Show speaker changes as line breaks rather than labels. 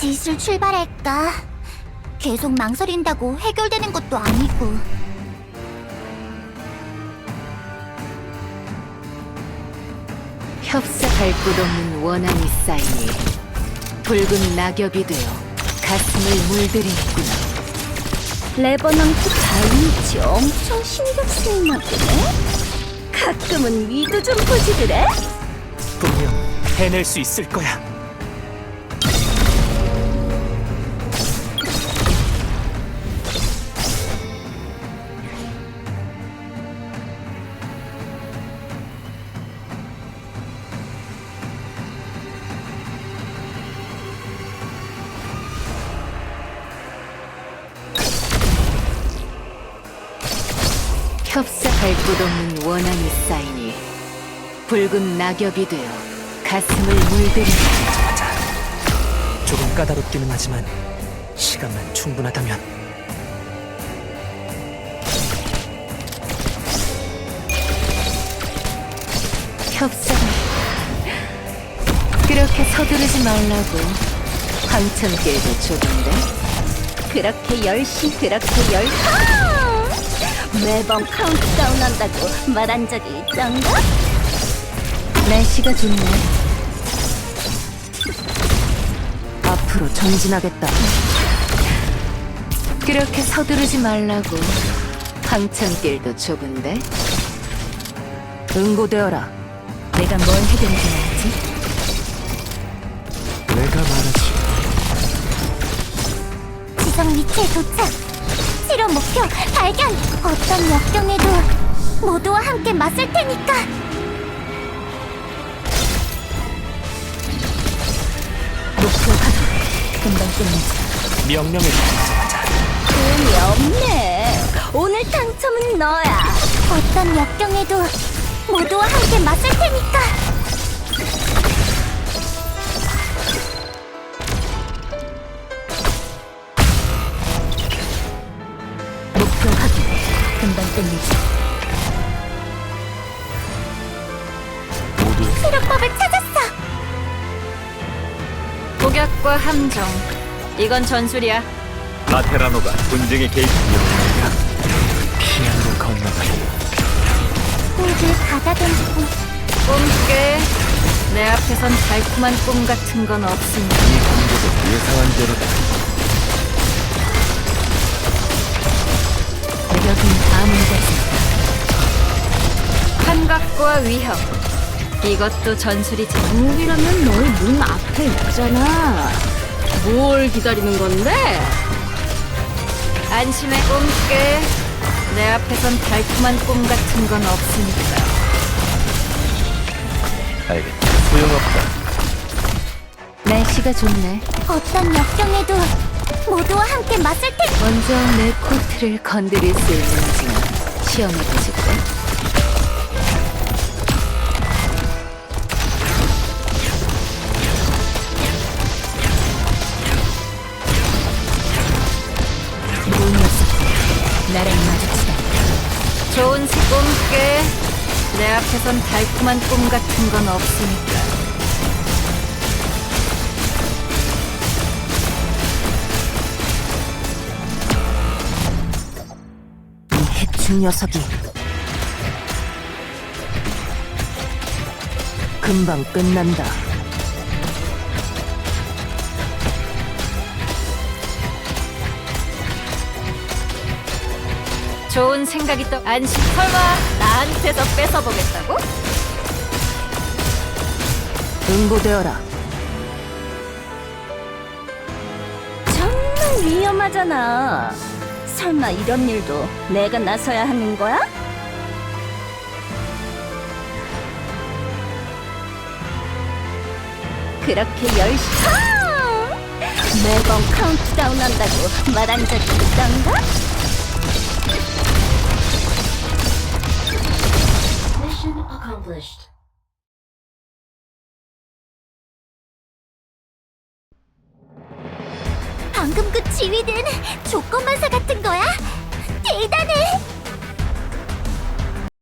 슬슬 출발할까? 계속 망설인다고 해결되는 것도 아니고.
협사할 곳 없는 원한이 쌓이니 붉은 낙엽이 되어 가슴을 물들이는구나.
레버넌트 바이니치 엄청 신경 쓰이나 보네? 가끔은 위도 좀 보지드래?
분명 해낼 수 있을 거야.
협사할 곳 없는 원한이 쌓이니 붉은 낙엽이 되어 가슴을 물들이는구나.
맞아. 조금 까다롭기는 하지만 시간만 충분하다면.
협상 그렇게 서두르지 말라고. 황천길도 좁은데.
매번 카운트다운 한다고 말한 적이 있던가?
날씨가 좋네. 앞으로 전진하겠다. 그렇게 서두르지 말라고. 황천길도 좁은데. 응고되어라. 내가 뭘 해결해야지.
내가 말하지.
지정 위치에 도착! 실험 목표 발견! 어떤 역경에도 모두와 함께 맞설 테니까!
목표 확인. 금방 끝내자.
명령을 내리자마자.
돈이 없네. 오늘 당첨은 너야.
어떤 역경에도 모두와 함께 맞설 테니까!
목표 확인. 금방 끝내자.
모두
실험법을 찾았어!
복약과 함정. 이건 전술이야.
라테라노가 분쟁의 개입이었습니다.
피안으로 건너가니.
꿀을 받아들이고
꿈깨. 내 앞에선 달콤한 꿈 같은 건 없으니.
이 공격은 예상한 대로다.
여긴 아무 데서. 환각과 위협. 이것도 전술이지.
우리라면 너희 문 앞에 있잖아. 뭘 기다리는 건데?
안심해. 꿈깨. 내 앞에선 달콤한 꿈 같은 건 없으니까.
알겠다. 소용없다.
날씨가 좋네.
어떤 역경에도 모두와 함께 맞설 테니까!
먼저 내 코트를 건드릴 수 있는지 시험해보실까? 이 녀석, 나랑 마주치다. 좋은 꿈깨. 내 앞에선 달콤한 꿈 같은 건 없으니까. 이 해충 녀석이 금방 끝난다. 좋은 생각이 또 안심. 설마 나한테서 뺏어보겠다고? 응고되어라.
정말 위험하잖아. 설마 이런 일도 내가 나서야 하는 거야? 그렇게 매번 카운트다운 한다고 말한 적이 있던가?
방금 그 지휘는 조건반사 같은 거야? 대단해!